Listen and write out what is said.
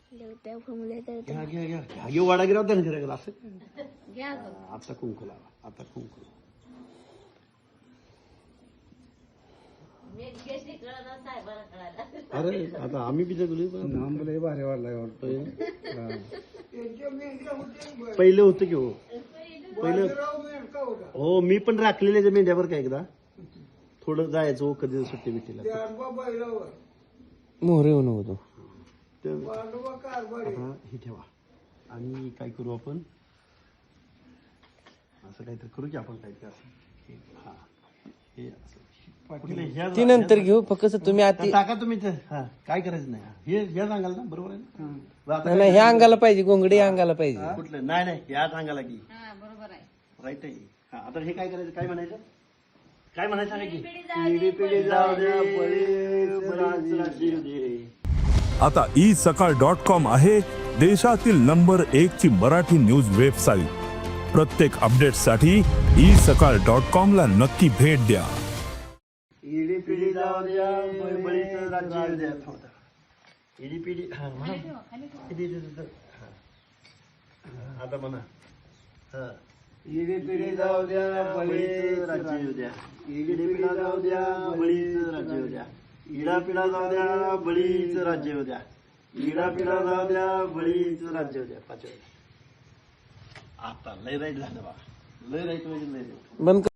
लेवट्या फुंगले तर घ्या घ्या घ्या घ्या घेऊ वाडा गिराव त्याने घरा असं घ्या आता कुंकू लावा आता कुंकू अरे आता आम्ही बी जगलो आंबले भारी वाढलाय वाटतोय पहिलं होतं की हो पहिलं हो मी पण राखलेल्या मेंढ्यावर काय एकदा थोडं जायचो कधी सुट्टी बिट्टीला मोहरे होऊन होतो हे ठेवा आणि काय करू आपण असं काहीतरी करू की आपण काहीतरी असं हा हे असं ती नंतर घेऊ फक्त तुम्ही आधी टाका तुम्ही ते हा काय करायचं नाही हे सांगाल ना बरोबर आहे ना नाही ह्या अंगाला पाहिजे गोंगडी अंगाला पाहिजे कुठलं नाही नाही या सांगायला की बरोबर आहे राईट आहे हा आता हे काय करायचं काय म्हणायचं काय म्हणायचं सांगा की पिढी पिढी जाऊ दे बळीच राज्य येऊ दे. आता isakal.com आहे देशातील नंबर 1 ची मराठी न्यूज वेबसाईट. प्रत्येक अपडेटसाठी isakal.com ला नक्की भेट द्या. पिढी पिढी जाऊ द्या बळीच राज्य येऊ द्या. पिढी पिढी हा म्हणा आता म्हणा हा पिढी पिढी जाऊ द्या बळीच राज्य येऊ द्या. पिढी पिढी जाऊ द्या बळीच राज्य येऊ द्या. इडा पिढा जाऊ द्या बळीच राज्य येऊ द्या. इडा पिढा जाऊ द्या बळीच राज्य येऊ द्या. पाचव्या आता लय राईट झालं बा लय राईट म्हणजे लय बंद